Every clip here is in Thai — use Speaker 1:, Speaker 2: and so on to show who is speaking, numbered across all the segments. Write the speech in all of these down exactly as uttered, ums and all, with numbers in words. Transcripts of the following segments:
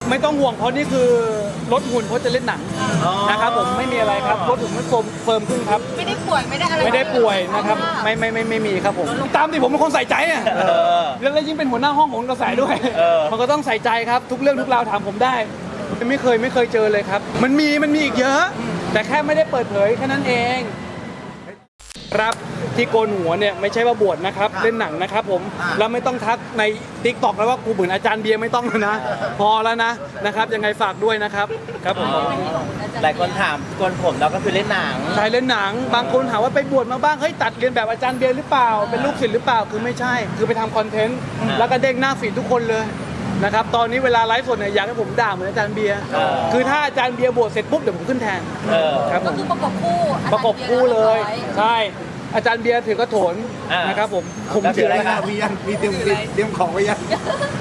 Speaker 1: ไม่ต้องห่วงเพราะนี่คือลดหุ่นเพราะจะเล่นหนังนะครับผมไม่มีอะไรครับลดหุ่นมันเฟิร์มเฟิร์มขึ้นครับ
Speaker 2: ไม่ได้ป่วยไม่ได้อะไร
Speaker 1: ไม่ได้ป่วยนะครับไม่ไม่ไม่ไม่มีครับผมตามที่ผมเป็นคนใส่ใจอ่ะแล้วยิ่งเป็นหัวหน้าห้องผมก็ใส่ด้วยมันก็ต้องใส่ใจครับทุกเรื่องทุกราวถามผมได้ไม่เคยไม่เคยเจอเลยครับมันมีมันมีอีกเยอะแต่แค่ไม่ได้เปิดเผยแค่นั้นเองครับที่โกนหัวเนี่ยไม่ใช่ว่าบวชนะครับเล่นหนังนะครับผมแล้วไม่ต้องทักใน ติ๊กต็อก แล้วว่ากูเหมือนอาจารย์เบียร์ไม่ต้องแล้วนะพอแล้วนะนะครับยังไงฝากด้วยนะครับครับผม
Speaker 3: หลายคนถามโกนผมเราก็คือเล่นหนัง
Speaker 1: ใช่เล่นหนังบางคนถามว่าไปบวชมาบ้างเฮ้ยตัดเรียนแบบอาจารย์เบียร์หรือเปล่าเป็นลูกศิษย์หรือเปล่าคือไม่ใช่คือไปทำคอนเทนต์แล้วก็เด้งหน้าฟีดทุกคนเลยนะครับตอนนี้เวลาไลฟ์สดเนี่ยอยากให้ผมด่าเหมือนอาจารย์เบียร์คือถ้าอาจารย์เบียร์บวชเสร็จปุ๊บเดี๋ยวผมขึ้นแทนครับผม
Speaker 2: ก็คือประกบคู่
Speaker 1: ประกบคู่เลยใช่อาจารย์เบียร์ถือกระโถนนะครับผม
Speaker 3: ผมถืออะไรครับ
Speaker 4: มียังมีเตรียมเตรียมของไว้ยัง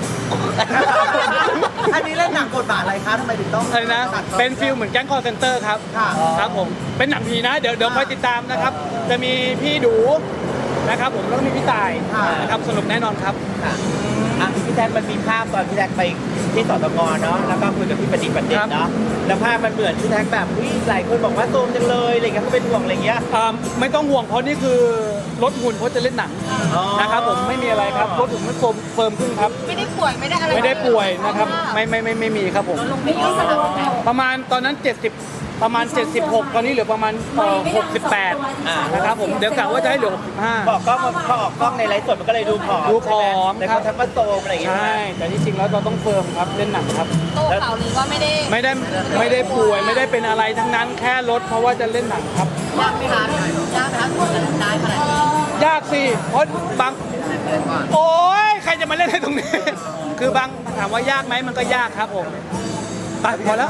Speaker 3: อันนี้เล่นหนังบทบาทอะไรคะทำไมถึงต้อง
Speaker 1: อะไรนะเป็นฟิลเหมือนแก๊งคอลเซ็นเตอร์ครับครับผมเป็นหนังผีนะเดี๋ยวเดี๋ยวคอยติดตามนะครับจะมีพี่ดูนะครับผมแล้วก็มีพี่ตายนะครับสนุกแน่นอนครับ
Speaker 3: อ่ะพี่แท็กมันมีภาพตอนพี่แท็กไปที่สตงเนาะแล้วก็คุยกับพี่ประดิษฐ์ประเด็นเนาะแล้วภาพมันเหมือนพี่แท็กแบบวิ่งหลายคนบอกว่าโซมจังเลยอะไรเงี้ยเขาเป็นห่วงอะไรเงี้ย
Speaker 1: ไม่ต้องห่วงเพราะนี่คือลดหุ่นเพราะจะเล่นหนังนะครับผมไม่มีอะไรครับลดหุ่นมันเฟิร์มเฟิร์มขึ้นครับ
Speaker 2: ไม่ได้ป่วยไม่ได้อะไร
Speaker 1: ไม่ได้ป่วยนะครับไม่ไม่ไม่ไม่มีครับผมประมาณตอนนั้นเจ็ดสิบประมาณเจ็ดสิบหกตอนนี้เหลือประมาณหกสิบแปดนะครับผมเดี๋ยวกะว่าจะให้เหลือหกสิบห้า
Speaker 3: บอกกล้องพอออกกล้องในไลฟ์สดมันก็เลยดูผอม
Speaker 1: ดูผอม
Speaker 3: แต่เขาทักว่าโซมอะไรอย่างเงี้ย
Speaker 1: ใช่แต่ที่จริงแล้วเราต้องเฟิร์มครับเล่นหนังครับ
Speaker 2: โต้ข่าวลือว่าไม่ได้
Speaker 1: ไม่ได้ไม่ได้ป่วยไม่ได้เป็นอะไรทั้งนั้นแค่ลดเพราะว่าจะเล่นหนังครับ
Speaker 2: ยากไหมคะยากไหมคะกว่าจะได้ขนาดนี้
Speaker 1: ยากสิเพราะบางโอ้ยใครจะมาเล่นให้ตรงนี้คือบางถามว่ายากไหมมันก็ยากครับผมไปพอแล้ว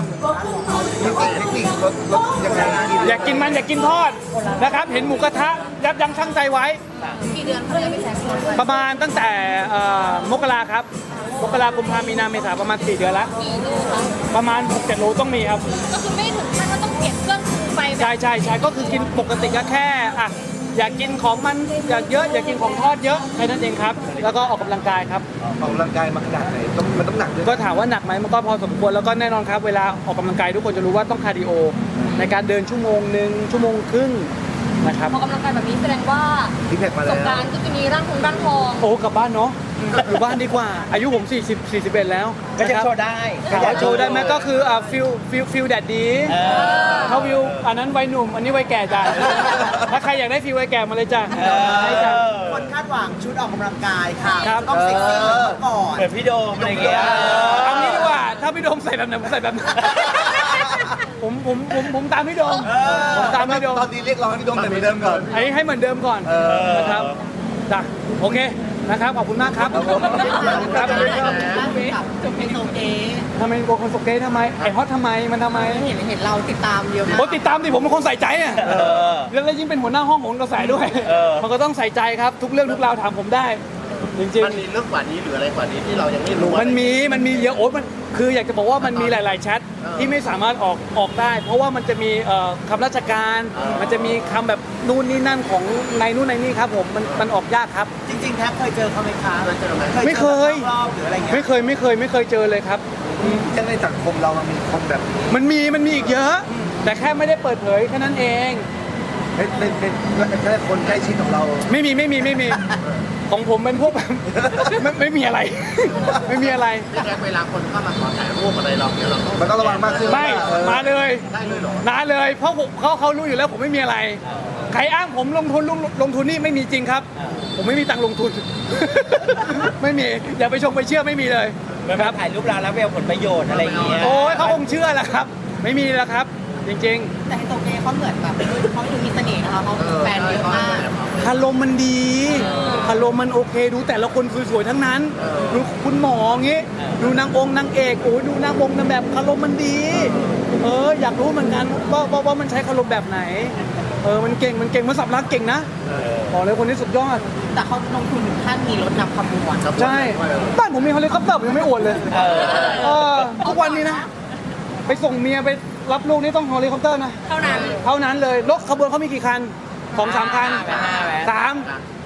Speaker 1: อยากกินมันอยากกินทอดนะครับเห็นหมูกระทะยับยั้งชั่งใจไว้
Speaker 2: กี่เดือนเขาจะไปแซง
Speaker 1: ประมาณตั้งแต่มกราครับมกราคมพามีนาเมษาประมาณสี่เดือนแล้วประมาณหกเจ็ดโลต้องมีครับ
Speaker 2: ก็คือไม่ถึงขั้นว่าต้องเปลี่ยนเครื่องไป
Speaker 1: ใช่ใช่ใช่ก็คือกินปกติก็แค่อ่ะอยากกินของมันอยากเยอะอยากกินของทอดเยอะแค่นั้นเองครับแล้วก็ออกกำลังกายครับ
Speaker 4: ออกกำลังกายมาขนาดไหนต้องมันต้องหนักด้วย
Speaker 1: ก็ถามว่าหนักไหมมันก็พอสมควรแล้วก็แน่นอนครับเวลาออกกำลังกายทุกคนจะรู้ว่าต้องคาร์ดิโอในการเดินชั่วโมงหนึ่งชั่วโมงครึ่งนะครับ
Speaker 2: ออกกำลังกายแบบนี้แสดงว่าประสบการณ์ก็จะมีร่างทองร่างทอง
Speaker 1: โอ้กลับบ้านเนาะอยู่บ้านดีกว่าอายุผมสี่สิบ สี่สิบเอ็ดแล้ว
Speaker 3: ก็จะโชว์ได้
Speaker 1: ก็โชว์ได้ไหมก็คืออ่าฟิลฟิลฟิลแดดดีเขาฟิลอันนั้นวัยหนุ่มอันนี้วัยแก่จ้ะถ้าใครอยากได้ฟิลวัยแก่มาเลยจ้ะ
Speaker 3: ให้จ้ะคนคาดหวังชุดออกกำลังกายค่ะต้องเซ็กซี่ก่อนเหมือนพี่โดมอะไรเงี้ย
Speaker 1: เอางี้ดีกว่าถ้าพี่โดมใส่แบบไหนผมใส่แบบนั้นผมผมผมผมตามพี่โดมผมตามพี่โดม
Speaker 4: ตอนนี้เรียกร้องให้พี่โดมเหมือนเดิมก่อน
Speaker 1: ให้ให้เหมือนเดิมก่อนนะครับจ้ะโอเคนะครับขอบคุณมากครับครับ
Speaker 2: จบเพลงโซเก
Speaker 1: ทำไมโกคนโซเกทำไมไอฮอตทำไมมันทำไม
Speaker 2: เห็นเห็นเราติดตามเยอะมาก
Speaker 1: ผมติดตามดิผมเป็นคนใส่ใจอ่ะแล้วยิ่งเป็นหัวหน้าห้องผมก็ใส่ด้วยมันก็ต้องใส่ใจครับทุกเรื่องทุกราวถามผมได้จริงๆ
Speaker 4: มันมีเรื่องกว่านี้หรืออะไรกว่านี้ที่เรายังไม่รู้
Speaker 1: มันมีมันมีเยอะโอ๊ตมันคืออยากจะบอกว่ามันมีหลายๆแชทที่ไม่สามารถออกออกได้เพราะว่ามันจะมีคำราชการมันจะมีคำแบบนู่นนี่นั่นของในนู่นในนี่ครับผมมันมันออกยากครับ
Speaker 3: จริงๆแท็กเคยเจอเขาไหมคะเคยเจอไหม
Speaker 1: ไม่เคย
Speaker 3: รอบหรืออะไรเงี้ย
Speaker 1: ไม่เคยไม่เคยไม่เคยเจอเลยครับ
Speaker 4: ยังในสังคมเรามันมีคนแบบ
Speaker 1: มันมีมันมีอีกเยอะแต่แค่ไม่ได้เปิดเผยแค่นั้นเอง
Speaker 4: เป็นเป็นแค่คนใกล้ชิดของเรา
Speaker 1: ไม่มีไม่มีไม่มีของผมเป็นพวกแบบไม่ไม่มีอะไรไม่มีอะไร
Speaker 4: ไม่แค่เวลาคนเข้ามาขอถ่ายรูปอะไรเราเนี่ยเราต้องมันต้องระวังมากขึ้น
Speaker 1: ไม่มาเลยมาเลยเพราะเขาเขารู้อยู่แล้วผมไม่มีอะไรใครอ้างผมลงทุนลงลงทุนนี่ไม่มีจริงครับผมไม่มีตังค์ลงทุนไม่มีอย่าไปชงไปเชื่อไม่มีเลย
Speaker 3: นะครับถ่ายรูปเราแล้วไปเอาผลประโยชน์อะไรอย่างเงี้ย
Speaker 1: โอ้ยเขาคงเชื่อแหละครับไม่มีแล้วครับจริง
Speaker 2: ๆแต่ไฮโซเกเขาเหมือนแบบเขาดูมีเสน่ห์นะคะเขาแฟนเยอะมาก
Speaker 1: คารมมันดีคารมมันโอเคดูแต่ละคนสวยๆทั้งนั้นดูคุณหมอเงี้ยดูนางองค์นางเอกโอ้ยดูนางองค์นางแบบคารมมันดีเอออยากรู้เหมือนกันว่าว่ามันใช้คารมแบบไหนเออมันเก่งมันเก่งมันสับรักเก่งนะบอกเลยคนนี้สุดยอด
Speaker 2: แต่เขาลงทุนถึงขั้นมีรถนำขบวน
Speaker 1: ใช่บ้านผมมีเฮลิคอปเตอร์ยังไม่อวดเลยเออทุกวันนี้นะไปส่งเมียไปรับลูกนี่ต้องเฮลิคอปเตอร์นะ
Speaker 2: เท่านั้น
Speaker 1: เท่านั้นเลยรถขบวนเขามีกี่คันสองสามคันสาม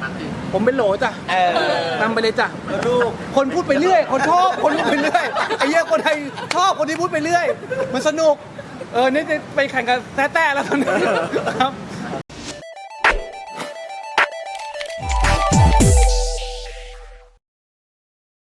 Speaker 1: ผมเป็นโหลจ้ะ
Speaker 3: เออน
Speaker 1: ำไปเลยจ้ะ
Speaker 3: ลูก
Speaker 1: คนพูดไปเรื่อย คนชอบ คนพูดไปเรื่อย ไอ้เหี้ยคนไทยชอบคนที่พูดไปเรื่อย มันสนุก เออ นี่จะไปแข่งกับแต้ๆแล้วตอนนี้ครับ